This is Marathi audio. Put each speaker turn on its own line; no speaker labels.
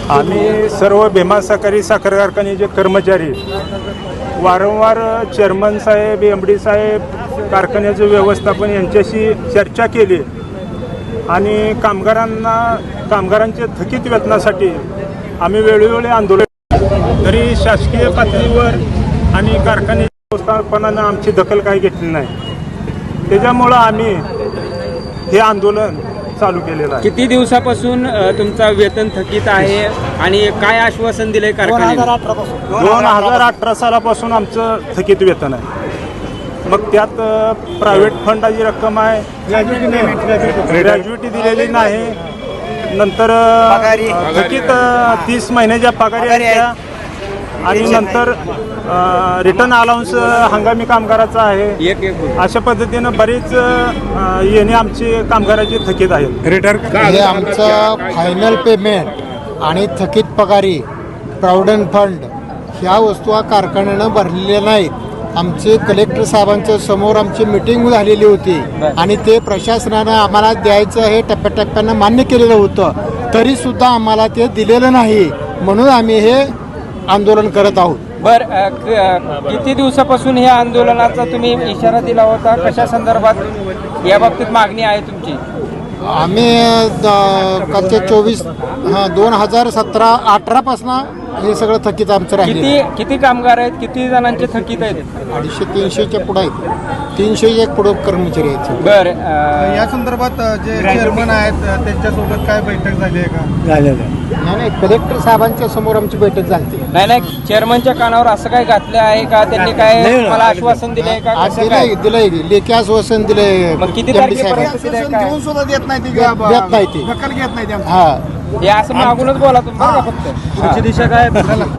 आम्ही सर्व भीमा सहकारी साखर कारखान्याचे कर्मचारी वारंवार चेअरमन साहेब, MD साहेब, कारखान्याचं व्यवस्थापन यांच्याशी चर्चा केली आणि कामगारांच्या थकीत वेतनासाठी आम्ही वेळोवेळी आंदोलन, तरी शासकीय पातळीवर आणि कारखान्याच्या व्यवस्थापनानं आमची दखल काही घेतली नाही. त्याच्यामुळं आम्ही हे आंदोलन चालू केलेलं आहे.
किती दिवसापासून तुमचा वेतन थकीत आहे आणि काय आश्वासन दिलंय कारखान्याने?
2018 सालापासून आमचं थकीत वेतन आहे. मग त्यात प्रायव्हेट फंडाची रक्कम आहे, ग्रॅज्युटी दिलेली नाही, नंतर थकीत 30 महिन्याच्या पगारी आहेत आणि नंतर रिटर्न अलाउन्स हंगामी कामगाराचा आहे. अशा पद्धतीनं बरीच येणे आमची कामगाराची थकीत आहेत.
हे आमचं फायनल पेमेंट आणि थकीत पगारी, प्रॉव्हिडंट फंड ह्या वस्तू कारखान्यानं भरलेल्या नाहीत. आमचे कलेक्टर साहेबांच्या समोर आमची मिटिंग झालेली होती आणि ते प्रशासनानं आम्हाला द्यायचं हे टप्प्याटप्प्यानं मान्य केलेलं होतं, तरीसुद्धा आम्हाला ते दिलेलं नाही. म्हणून आम्ही हे आंदोलन करत आहोत.
किती दिवसापासून हे आंदोलनाचा तुम्ही इशारा दिला होता? कशा संदर्भात या बाबतीत मागणी आहे तुमची?
आम्ही 2017-18 पासून हे सगळं थकीत आमचं राहिले.
किती कामगार आहेत? किती जणांचे थकीत आहेत?
250-300च्या पुढे आहेत. 300 पुढे कर्मचारी आहेत.
बरं,
या संदर्भात जे चेअरमन आहेत त्यांच्यासोबत काय बैठक झाली आहे का?
नाही, कलेक्टर साहेबांच्या समोर आमची बैठक झाली.
नाही, चेअरमनच्या कानावर असं काय घातलं आहे का? त्यांनी काय मला आश्वासन दिलंय का? कसं काय?
दिलंय लेखी आश्वासन दिलंय.
मग किती तारखेपर्यंत दिलंय काय?
देऊन सुद्धा देत नाही
देत नाही ते.
दखल घेत नाही.
हा,
हे असं मागूनच बोला तुम्ही बरं का फक्त.
दिशा काय